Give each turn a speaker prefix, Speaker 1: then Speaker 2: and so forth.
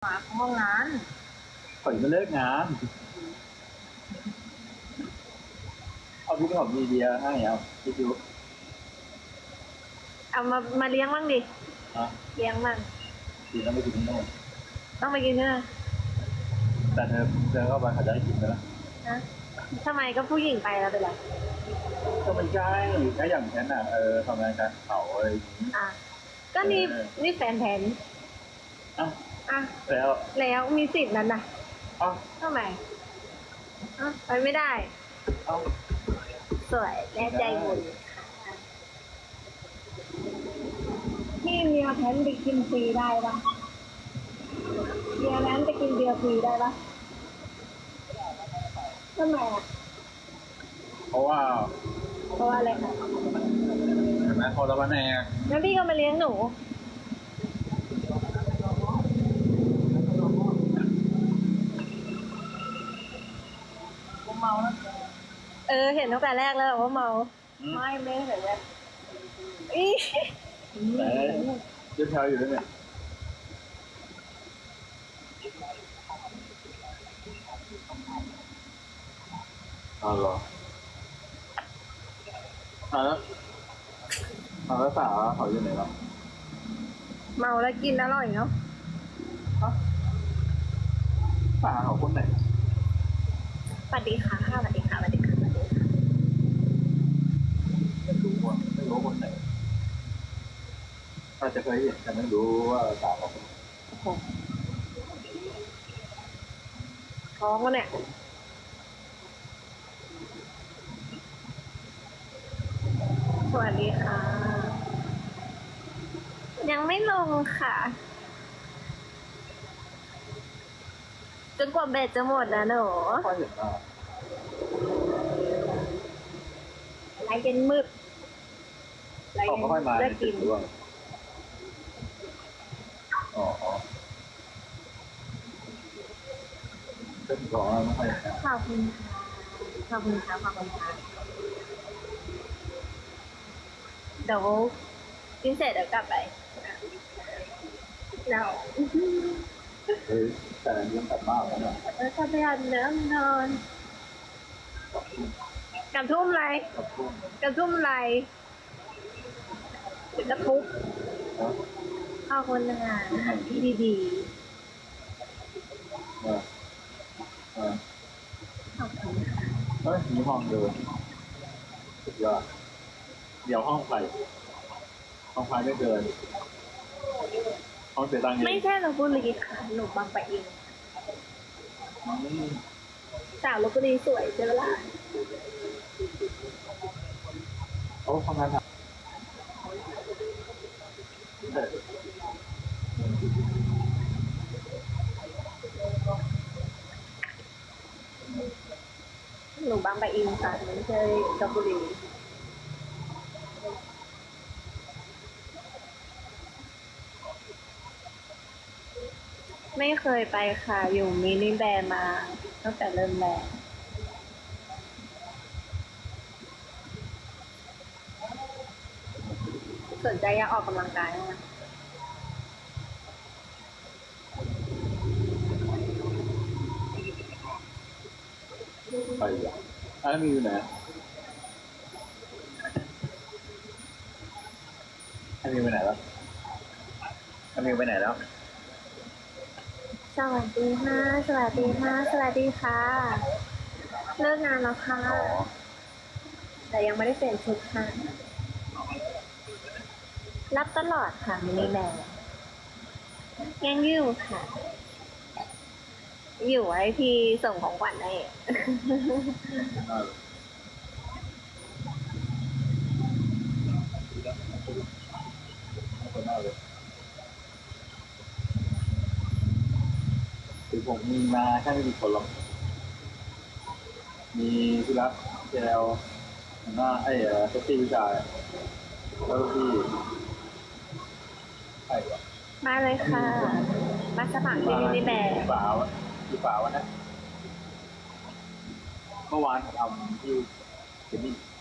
Speaker 1: มาห้องนั้น
Speaker 2: ข่อยมาเลิกงานเอาพี่ขอบมีเบียร์ให้เอาพี่ดู
Speaker 1: เอามาเลี้ยงบ้างดิเลี้ยงบ้าง
Speaker 2: กินแล้วไม่กินที่โน่น
Speaker 1: ต้องไปกินใช่ไหม
Speaker 2: แต่เธอเข้าไปเขาจะได้กินไหมล่ะ
Speaker 1: นะทำไมก็ผู้หญิงไปแล้วไปแล้ว
Speaker 2: ก็มันใช่ถ้าอย่างฉันอ่ะทำงานการเขาอะไรอย่างนี้
Speaker 1: ก็นี่แฟนแทนอ่ะแล้วมีสิทธิ์นั้นนะทำไมไปไม่ได้สวยแน่ใจบุญพี่เมียแพนไปกินฟรีได้ปะเมียแพนไปกินเบียร์ฟรีได้ปะทำไม
Speaker 2: เพราะว่า
Speaker 1: อะไรคะ
Speaker 2: เห็นไหมพอตะวันแน่
Speaker 1: งั้นพี่ก็มาเลี้ยงหนูเมาแล้วเห็นตั้งแต่แรกแล้วว่าเมาไม่เห็นเลย
Speaker 2: แต่ยืดเท้าอยู่ด้วยเนี่ยเหรอแล้วสาวเขาอยู่ไหนแล้ว
Speaker 1: เมาแล้วกินอร่อยเนาะ
Speaker 2: สาวเขาคนไหน
Speaker 1: สวัสดีค่ะสวัสดีค่ะสวัสดีค่ะสวัสดีค่ะ
Speaker 2: ไม่รู้คนไหนถ้าจะเคยเห็นแต่ไม่รู้ว่าสาวเขา
Speaker 1: ท้องแล้วเนี่ยสวัสดีค่ะยังไม่ลงค่ะจนกว่าเบ็ดจะหมดนะหนูไลฟ์เย็นมืด
Speaker 2: ไลฟ์เย็นกินเป็นก่อนไม่ค่อย
Speaker 1: ขอบคุณค่ะขอบคุณค่ะขอบคุณค่ะเดี๋ยวกินเสร็จเดี๋ยวกลับไปเรา
Speaker 2: แต่เรื่องกลับบ้านแล้วเนี่ย
Speaker 1: กลับไปอาบน้ำนอนกับทุ่มไรกับทุ่มไรถึงกระทุบข้าวคนงานที่ดีขอบคุณค่ะ
Speaker 2: มีห้องเดินสุดยอดเดี๋ยวห้องไฟไม่เดินห้องเสียตังค์
Speaker 1: ไม่ใช่ลพบุรีค่ะหนูบางปะอินสาวลพบุรีสวยใช่ไหมล่ะ
Speaker 2: ทำงาน
Speaker 1: หนูบางปะอินค่ะไม่ใช่ลพบุรีไม่เคยไปค่ะอยู่มินิแบร์มาตั้งแต่เริ่มแรกสนใจอยากออกกำลังกายไหม
Speaker 2: ไปมีอยู่ไหนมีไปไหนแล้วมีไปไหนแล้ว
Speaker 1: สวัสดีค่ะสวัสดีค่ะสวัสดีค่ะเลิกงานแล้วค่ะแต่ยังไม่ได้เปลี่ยนชุดค่ะรับตลอดค่ะมินิแบร์ยังอยู่ค่ะอยู่ไว้พี่ส่งของขวัญให้
Speaker 2: คือผมมีมาแค่ไม่กี่คนหรอกมีพี่รักเจลหน้าเซ็กซี่ผู้ชายแล้วพี่
Speaker 1: มาเลยค่ะมาสมัครที่มินิแบร์
Speaker 2: ป่าวนะเมื่อวานทำที่เจนนี่